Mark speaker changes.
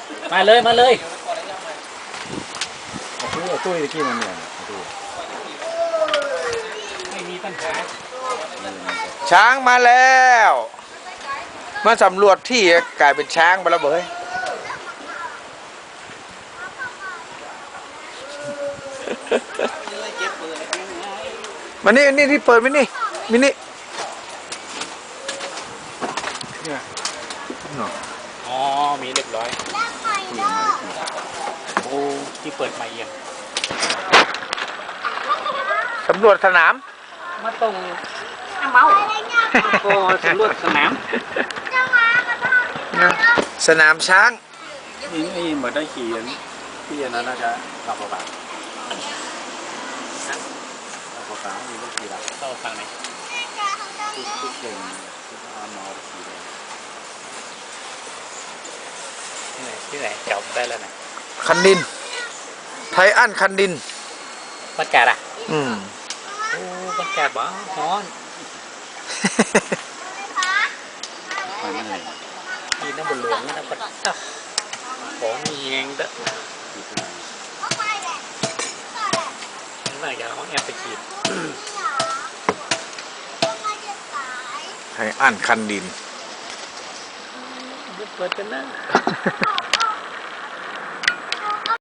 Speaker 1: มาเลยมาเลย
Speaker 2: ตู้ตะกี้มันเนี่ย
Speaker 1: ไม่มีปัญหา
Speaker 3: ช้างมาแล้วมาสำรวจที่กลายเป็นช้างไปแล้วเบ้ยมานี่ที่เปิดมินี่มินี่
Speaker 1: อ๋อมีเรียบร้อยโอ้ที่เปิดมาเอียง
Speaker 3: สำรวจสนาม
Speaker 1: มาตรงเมาก็สำรวจสนาม
Speaker 3: สนามช้าง
Speaker 2: นี่เหมือนได้ขี่ที่อันนั้นน่าจะขับรถแบบขับรถแบบมีรถขี่ละ
Speaker 1: เข้าฝั่งไหน
Speaker 2: ทุกเก่งเอามาขี่เลย
Speaker 1: ที่ไหนจบได้แล้วนะ
Speaker 3: คันดินไทอันคันดิน
Speaker 1: บรรยากาศอ่ะโอ้บรรยากาศบ้าฮ้อน
Speaker 2: ไปไม่ไหน
Speaker 1: มีน้ำบนหลวงนะปัดของมีแหงเด้อน่าจะเขาแอบไปขีด
Speaker 3: ไทอันคันดิน
Speaker 1: เปิดกันนะ